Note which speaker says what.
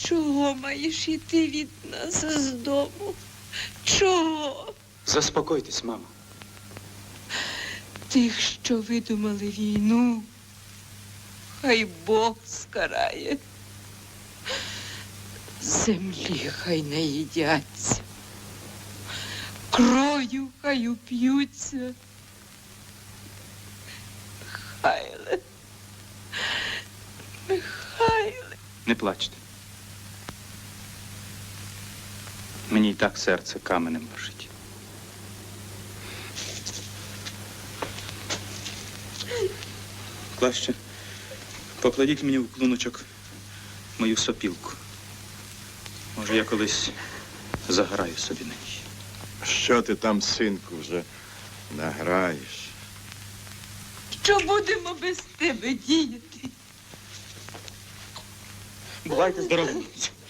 Speaker 1: Чого маєш іти від нас з дому? Чого?
Speaker 2: Заспокойтесь, мамо.
Speaker 1: Тих, що видумали війну, хай Бог скарає. Землі хай не їдяться, кров'ю хай уп'ються. Михайле, Михайле.
Speaker 2: Не плачте. Мені й так серце каменем лежить. Краще покладіть мені в клуночок мою сопілку. Може, я колись заграю собі на ній.
Speaker 3: Що ти там, синку, вже награєш?
Speaker 1: Що будемо без тебе діяти?
Speaker 2: Бувайте здорові.